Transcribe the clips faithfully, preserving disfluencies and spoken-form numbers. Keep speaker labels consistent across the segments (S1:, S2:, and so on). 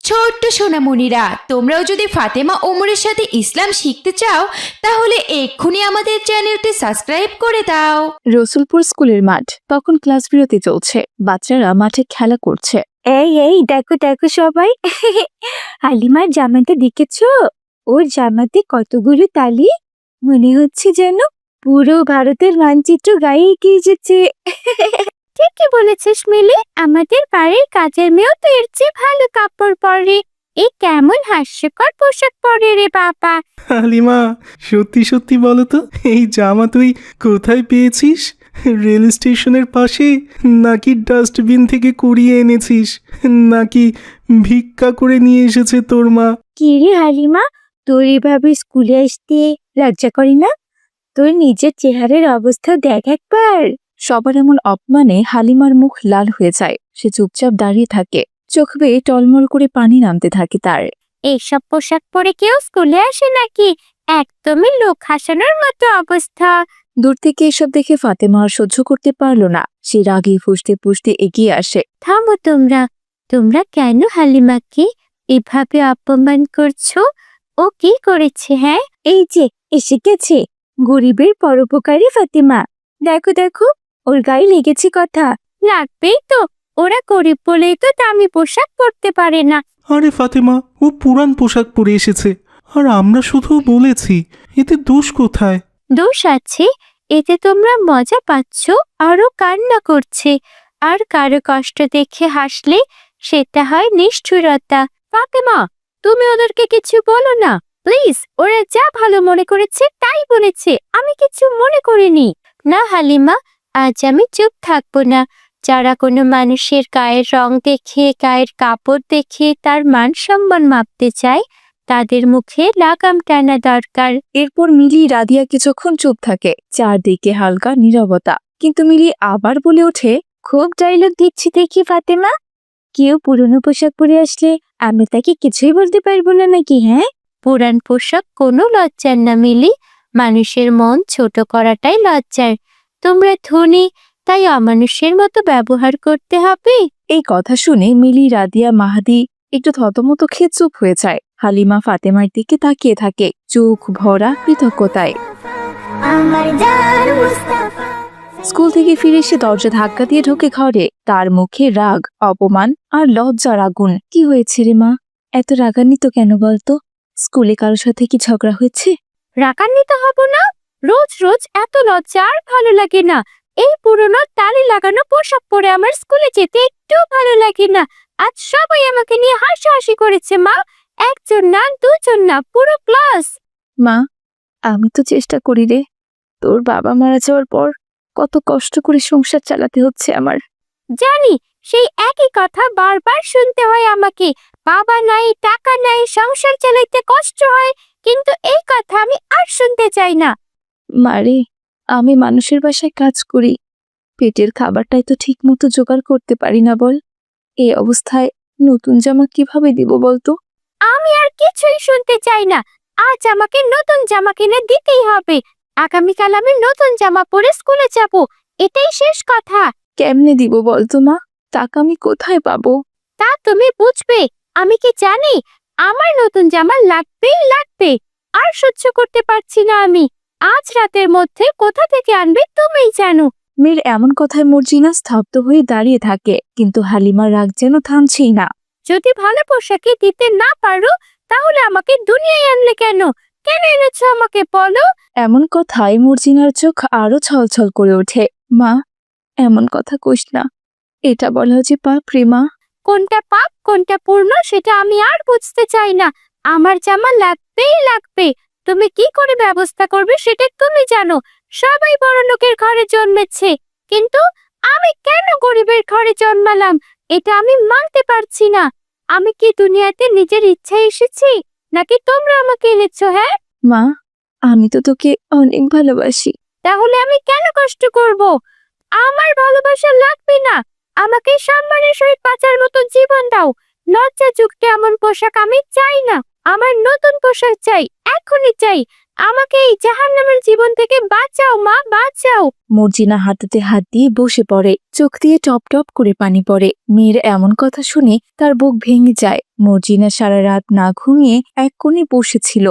S1: ছোট্ট সোনামণিরা, তোমরাও যদি ফাতেমা ওমরের সাথে ইসলাম শিখতে চাও তাহলে এক্ষুনি আমাদের চ্যানেলটি সাবস্ক্রাইব করে দাও।
S2: রসুলপুর স্কুলের মাঠ তখন ক্লাস বিরতি চলছে। বাচ্চারা মাঠে খেলা করছে।
S3: এই এই দেখো দেখো সবাই, হালিমার জামাটা দেখেছো? ওর জামাতে কতগুলো তালি, মনে হচ্ছে যেন পুরো ভারতের মানচিত্র গায়ে এগিয়ে এসেছে। ঠিকই বলেছিস মিলি, আমাদের বাড়ির কাজের মেয়েও তো এর চেয়ে ভালো কাপড় পরে। এই কেমন হাস্যকর পোশাক পরে রে বাবা।
S4: হালিমা, সত্যি সত্যি বলো তো, এই জামা তুই কোথায় পেয়েছিস? রেল স্টেশনের পাশে, নাকি ডাস্টবিন থেকে কুড়িয়ে এনেছিস, নাকি ভিক্ষা করে নিয়ে এসেছে তোর মা?
S3: কি রে হালিমা, তোর এভাবে স্কুলে আসতে লজ্জা করি না? তোর নিজের চেহারার অবস্থা দেখ একবার।
S2: সবার এমন অপমানে হালিমার মুখ লাল হয়ে যায়। সে চুপচাপ দাঁড়িয়ে থাকে, চোখ বেয়ে টলমল করে পানি নামতে থাকে তার।
S3: এইসব পোশাক পরে কেউ স্কুলে আসে নাকি? একদমই লোক হাসানোর মতো অবস্থা।
S2: দূর থেকে এসব দেখে ফাতেমা আর সহ্য করতে পারল না। সে রাগে ফুঁসতে ফুঁসতে এগিয়ে আসে।
S3: থামো তোমরা, তোমরা কেন হালিমাকে এভাবে অপমান করছো? ও কি করেছে? হ্যাঁ, এই যে এসে গেছে গরিবের পরোপকারী ফাতেমা। দেখো দেখো, ওর গায়ে লেগেছে কথা। লাগবেই তো, ওরা গরিব বলেই তো দামি পোশাক পরতে পারে না।
S4: আরে ফাতেমা, ও পুরান পোশাক পরে এসেছে, আর আমরা শুধু বলেছি, এতে দোষ কোথায়?
S3: দোষ আছে, এতে তোমরা মজা পাচ্ছ, আরো কান্না করছে। আর কারো কষ্ট দেখে হাসলে সেটা হয় নিষ্ঠুরতা। ফাতেমা, তুমি ওদেরকে কিছু বলো না প্লিজ। ওরা যা ভালো মনে করেছে তাই বলেছে, আমি কিছু মনে করিনি। না হালিমা, আজ আমি চুপ থাকবো না। যারা কোনো মানুষের গায়ের রং দেখে, গায়ের কাপড় দেখে তার মান সম্মান মাপতে চায়, তাদের মুখে লাগাম টানা দরকার।
S2: এরপর মিলি রাদিয়া কিছুক্ষণ চুপ থাকে। চারদিকে হালকা নীরবতা, কিন্তু মিলি আবার বলে ওঠে,
S3: খুব ডায়লগ দিচ্ছি দেখি ফাতেমা। কেউ পুরনো পোশাক পরে আসলে আমি তাকে কিছুই বলতে পারবো না নাকি? হ্যাঁ, পুরান পোশাক কোনো লজ্জার না মিলি, মানুষের মন ছোট করাটাই লজ্জার। তোমরা ধনী, তাই অমানুষের মতো ব্যবহার করতে হবে।
S2: এই কথা শুনে মিলি, রাদিয়া, মাহাদি একটু থতমত খেয়ে চুপ হয়ে যায়। হালিমা ফাতেমার দিকে তাকিয়ে থাকে, চোখ ভরা কৃতজ্ঞতায়। স্কুল থেকে ফিরে এসে দরজা ধাক্কা দিয়ে ঢোকে ঘরে। তার মুখে রাগ, অপমান আর লজ্জার আগুন। কি হয়েছে রে মা, এত রাগান্বিত কেন বলতো? স্কুলে কারোর সাথে কি ঝগড়া হয়েছে?
S3: রাগান্বিত হব না? রোজ রোজ এত লজ্জা আর ভালো লাগে না। এই পুরনো তালি লাগানো পোশাক পরে আমার স্কুলে যেতে একটু ভালো লাগে না। আজ সবাই আমাকে নিয়ে হাসাহাসি করেছে মা। একজন না, দুজন না, পুরো ক্লাস।
S2: মা, আমি তো চেষ্টা করি রে। তোর বাবা মারা যাওয়ার পর কত কষ্ট করে সংসার চালাতে হচ্ছে আমার।
S3: জানি, সেই একই কথা বারবার শুনতে হয় আমাকে। বাবা নাই, টাকা নাই, সংসার চালাইতে কষ্ট হয়। কিন্তু এই কথা আমি আর শুনতে চাই না।
S2: মারে, আমি মানুষের বাসায় কাজ করি, পেটের খাবারটাই তো ঠিক মতো জোগাড় করতে পারি না বল। এই অবস্থায় নতুন জামা কিভাবে দিব বলতো?
S3: আমি আর কিছুই শুনতে চাই না। আজ আমাকে নতুন জামা কিনে দিতেই হবে। আগামীকাল আমি নতুন জামা পরে স্কুলে যাব, এটাই শেষ কথা।
S2: কেমনে দিব বলতো মা? টাকা আমি কোথায় পাবো?
S3: তা তুমি বুঝবে, আমি কি জানি? আমার নতুন জামা লাগবেই লাগবে। আর সহ্য করতে পারছি না আমি। আজ রাতের মধ্যে কোথা থেকে আনবে তুমিই জানো।
S2: মেয়ের এমন কথায় মর্জিনা স্তব্ধ হয়ে দাঁড়িয়ে থাকে, কিন্তু হালিমার রাগ যেন থামছেই না।
S3: যদি ভালো পোশাকে দিতে না পারো তাহলে আমাকে দুনিয়ায় আনলে কেন? কেন এনেছো আমাকে বলো?
S2: এমন কথায় মর্জিনার চোখ আরো ছলছল করে ওঠে। মা, এমন কথা কইস না, এটা বলা যে পাপ রে মা।
S3: কোনটা পাপ কোনটা পূর্ণ সেটা আমি আর বুঝতে চাই না। আমার জামা লাগবেই লাগবে। তুমি কি করে ব্যবস্থা করবে সেটা তুমি জানো। সবাই বড় লোকের ঘরে জন্মেছে, কিন্তু আমি কেন গরিবের ঘরে জন্মালাম? এটা আমি মানতে পারছি না। আমি কি দুনিয়াতে নিজের ইচ্ছায় এসেছি, নাকি তোমরা আমাকে এনেছো? হ্যাঁ
S2: মা, আমি তো তোকে অনেক ভালোবাসি।
S3: তাহলে আমি কেন কষ্ট করব? আমার ভালোবাসা লাগবে না। আমাকে সম্মানের সহিত বাঁচার মতো জীবন দাও। লজ্জাযুক্ত এমন পোশাক আমি চাই না। আমার নতুন পোশাক চাই, এখনই চাই। আমাকে এই জাহান্নামের জীবন থেকে বাঁচাও মা, বাঁচাও।
S2: মর্জিনা হাঁটুতে হাত দিয়ে বসে পড়ে, চোখ দিয়ে টপ টপ করে পানি পড়ে। মেয়ের এমন কথা শুনে তার বুক ভেঙে যায়। মর্জিনা সারা রাত না ঘুমিয়ে এক কোণে বসেছিল।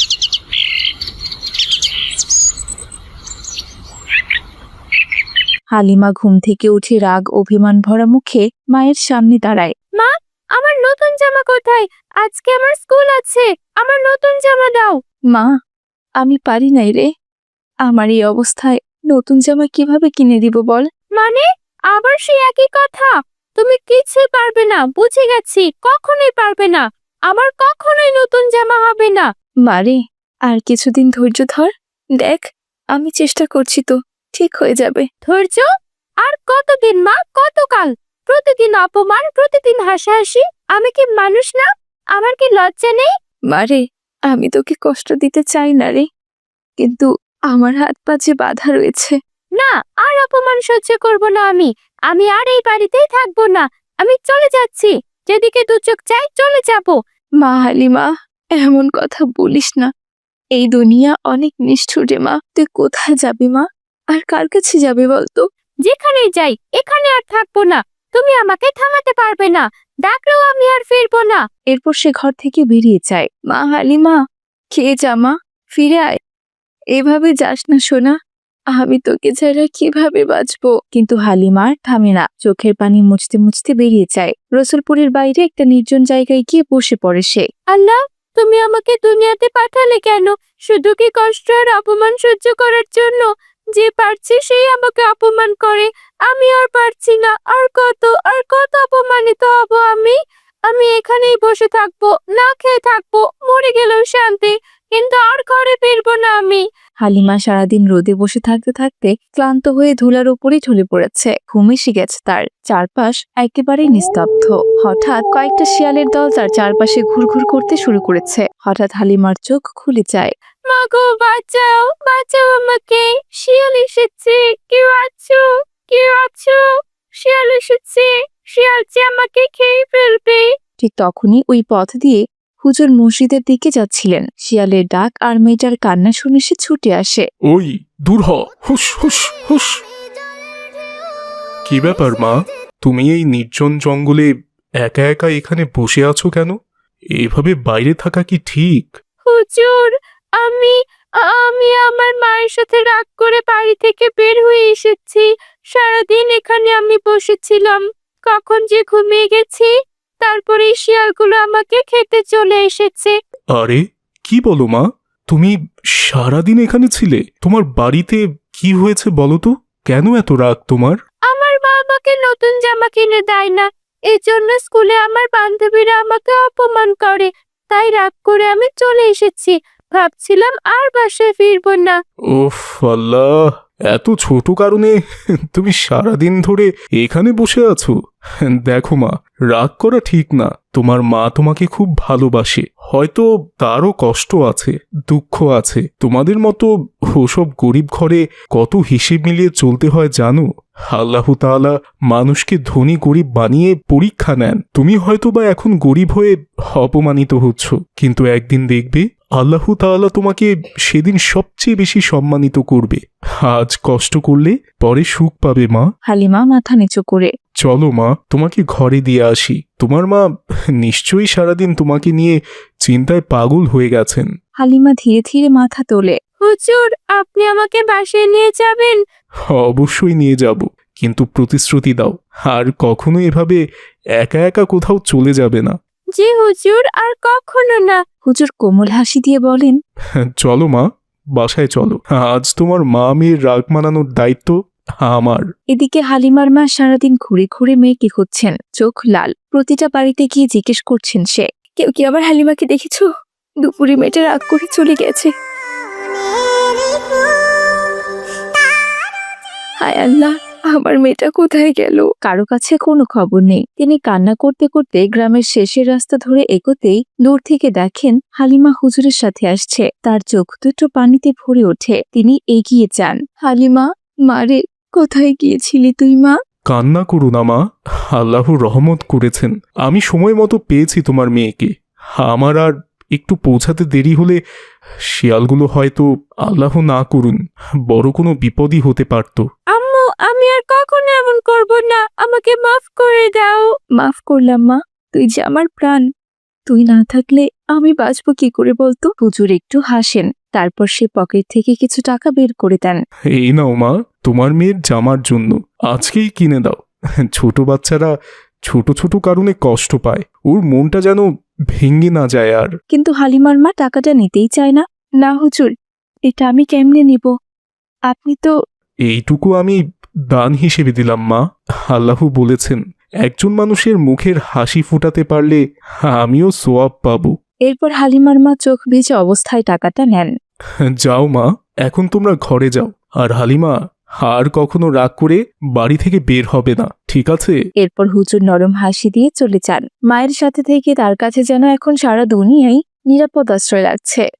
S2: হালিমা ঘুম থেকে উঠে রাগ অভিমান ভরা মুখে মায়ের সামনে দাঁড়ায়।
S3: মা, আমার নতুন জামা কোথায়? আজকে আমার স্কুল আছে, আমার নতুন জামা দাও।
S2: মা, আমি পারি নাই রে। আমার এই অবস্থায় নতুন জামা কিভাবে কিনে দিব বল?
S3: মানে আবার সেই একই কথা? তুমি কিছুই পারবে না, বুঝে গেছি, কখনোই পারবে না। আমার কখনোই নতুন জামা হবে না।
S2: মারে, আর কিছুদিন ধৈর্য ধর। দেখ, আমি চেষ্টা করছি তো, ঠিক হয়ে যাবে।
S3: ধৈর্য? আর কতদিন মা, কতকাল? প্রতিদিন অপমান, প্রতিদিন হাসাহাসি। আমি কি মানুষ না? আমার কি লজ্জা নেই?
S2: মারে, আমি তোকে কষ্ট দিতে চাই না রে, কিন্তু আমার হাত পা যে বাধা রয়েছে।
S3: না, আর অপমান সহ্য করব না আমি। আমি আর এই বাড়িতেই থাকবো না। আমি চলে যাচ্ছি, যেদিকে দু চোখ চাই চলে যাব।
S2: মা হালিমা, এমন কথা বলিস না। এই দুনিয়া অনেক নিষ্ঠুর রে মা। তুই কোথায় যাবি মা? আর কার কাছে যাবে বলতো?
S3: যেখানেই যাই, এখানে আর থাকবো না। তুমি আমাকে থামাতে পারবে না, ডাকলেও আমি আর ফিরবো না।
S2: এরপর সে ঘর থেকে বেরিয়ে যায়। মা হালিমা, খেয়ে যা মা, ফিরে আয়। এভাবে যাস না সোনা, আমি তোকে ছাড়া কিভাবে বাঁচবো? কিন্তু হালিমা আর থামে না, চোখের পানি মুছতে মুছতে বেরিয়ে যায়। রসুলপুরের বাইরে একটা নির্জন জায়গায় গিয়ে বসে পড়ে সে।
S3: আল্লাহ, তুমি আমাকে দুনিয়াতে পাঠালে কেন? শুধু কি কষ্ট আর অপমান সহ্য করার জন্য? যে পারছে সেই আমাকে অপমান করে, আমি আর পারছি না। আর কত আর কত অপমানিত হব আমি? আমি এখানেই বসে থাকবো, না খেয়ে থাকবো, মরে গেলেও শান্তি, কিন্তু আর ঘরে ফিরবো না আমি।
S2: হালিমা সারাদিন রোদে বসে থাকতে থাকতে ক্লান্ত হয়ে ধুলার উপরেই ঢলে পড়েছে। ঘুম এসে গেছে তার। চারপাশ একেবারেই নিস্তব্ধ। হঠাৎ কয়েকটা শিয়ালের দল তার চারপাশে ঘুরঘুর করতে শুরু করেছে। হঠাৎ হালিমার চোখ খুলে যায়।
S3: মাগো, বাঁচাও, বাঁচাও আমাকে। শিয়াল এসেছে, কেউ আছো? কেউ আছো? শিয়াল এসেছে, শিয়াল যে আমাকে খেয়ে ফেলবে।
S2: ঠিক তখনই ওই পথ দিয়ে হুজুর মসজিদের দিকে যাচ্ছিলেন। শিয়ালের ডাক আর মেয়েটার কান্না শুনে সে ছুটে আসে।
S4: ওই দূর হ, হুস হুস হুস। কি ব্যাপার মা, তুমি এই নির্জন জঙ্গলে একা একা এখানে বসে আছো কেন? এভাবে বাইরে থাকা কি ঠিক?
S3: হুজুর, আমি আমি আমার মায়ের সাথে রাগ করে বাড়ি থেকে বের হয়ে এসেছি। সারাদিন এখানে আমি বসেছিলাম, কখন যে ঘুমিয়ে গেছি। তারপরে এই শিয়ালগুলো আমাকে খেতে চলে এসেছে।
S4: আরে কি বলো মা, তুমি সারাদিন এখানে ছিলে? তোমার বাড়িতে কি হয়েছে বলো তো? কেন এত রাগ তোমার?
S3: আমার মা আমাকে নতুন জামা কিনে দেয় না, এই জন্য স্কুলে আমার বান্ধবীরা আমাকে অপমান করে। তাই রাগ করে আমি চলে এসেছি। ভাবছিলাম আর বাসায় ফিরবো না।
S4: ওফ আল্লাহ, এত ছোট কারণে তুমি সারাদিন ধরে এখানে বসে আছো? দেখো মা, রাগ করা ঠিক না। তোমার মা তোমাকে খুব ভালোবাসে, হয়তো তারও কষ্ট আছে, দুঃখ আছে। তোমাদের মতো ওসব গরিব ঘরে কত হিসেব মিলিয়ে চলতে হয় জানো? আল্লাহ তাআলা মানুষকে ধনী গরিব বানিয়ে পরীক্ষা নেন। তুমি হয়তো বা এখন গরিব হয়ে অপমানিত হচ্ছ, কিন্তু একদিন দেখবে আল্লাহ তাআলা তোমাকে সেদিন সবচেয়ে বেশি সম্মানিত করবে। আজ কষ্ট করলে পরে সুখ পাবে মা।
S2: হালিমা মাথা নিচু করে।
S4: চলো মা, তোমাকে ঘরে দিয়ে আসি। তোমার মা নিশ্চয়ই সারাদিন তোমাকে নিয়ে চিন্তায় পাগল হয়ে গেছেন।
S2: হালিমা ধীরে ধীরে মাথা তোলে।
S3: হুজুর, আপনি আমাকে বাসায় নিয়ে যাবেন?
S4: অবশ্যই নিয়ে যাব, কিন্তু প্রতিশ্রুতি দাও আর কখনো এভাবে একা একা কোথাও চলে যাবে না।
S3: জি হুজুর, আর কখনো না।
S2: হুজুর কোমল হাসি দিয়ে বলেন,
S4: চলো মা, বাসায় চলো। আজ তোমার মা মেয়ের রাগ মানানোর দায়িত্ব আমার।
S2: এদিকে হালিমার মা সারাদিন ঘুরে ঘুরে মেয়েকে খুঁজছেন, চোখ লাল। প্রতিটা বাড়িতে গিয়ে জিজ্ঞেস করছেন সে, কেউ কি আবার হালিমাকে দেখেছো? দুপুরে মেয়েটা রাগ করে চলে গেছে। হায় আল্লাহ, আমার মেয়েটা কোথায় গেল? কারো কাছে কোনো খবর নেই। তিনি কান্না করতে করতে গ্রামের শেষের রাস্তা ধরে এগোতেই দূর থেকে দেখেন হালিমা হুজুরের সাথে আসছে। তার চোখ দুটো পানিতে ভরে ওঠে। তিনি এগিয়ে যান। হালিমা, মারে, কোথায় গিয়েছিলি তুই মা?
S4: কান্না করো না মা, আল্লাহ রহমত করেছেন। আমি সময় মতো পেয়েছি তোমার মেয়েকে। আমার আর একটু পৌঁছাতে দেরি হলে শিয়ালগুলো হয়তো আল্লাহ না করুন বড় কোনো বিপদই হতে পারত।
S3: আম্মু, আমি আর কখনো এমন করব না, আমাকে মাফ করে দাও।
S2: মাফ করলাম মা, তুই যে আমার প্রাণ। তুই না থাকলে আমি বাঁচবো কি করে বলতো? হুজুর একটু হাসেন, তারপর সে পকেট থেকে কিছু টাকা বের করে দেন।
S4: এই নাও মা, তোমার মেয়ের জামার জন্য, আজকেই কিনে দাও। ছোট বাচ্চারা ছোট ছোট কারণে কষ্ট পায়, ওর মনটা যেন ভেঙে না যায় আর।
S2: কিন্তু হালিমার মা টাকাটা নিতেই চায় না। না হুজুর, এটা আমি কেমনে নিব? আপনি তো
S4: এইটুকু আমি দান হিসেবে দিলাম মা। আল্লাহ বলেছেন একজন মানুষের মুখের হাসি ফোটাতে পারলে আমিও সোয়াব পাবো।
S2: এরপর হালিমার মা চোখ ভিজে অবস্থায় টাকাটা নেন।
S4: যাও মা, এখন তোমরা ঘরে যাও। আর হালিমা, আর কখনো রাগ করে বাড়ি থেকে বের হবে না, ঠিক আছে?
S2: এরপর হুজুর নরম হাসি দিয়ে চলে যান। মায়ের সাথে থেকে তার কাছে যেন এখন সারা দুনিয়াই নিরাপদ আশ্রয় লাগছে।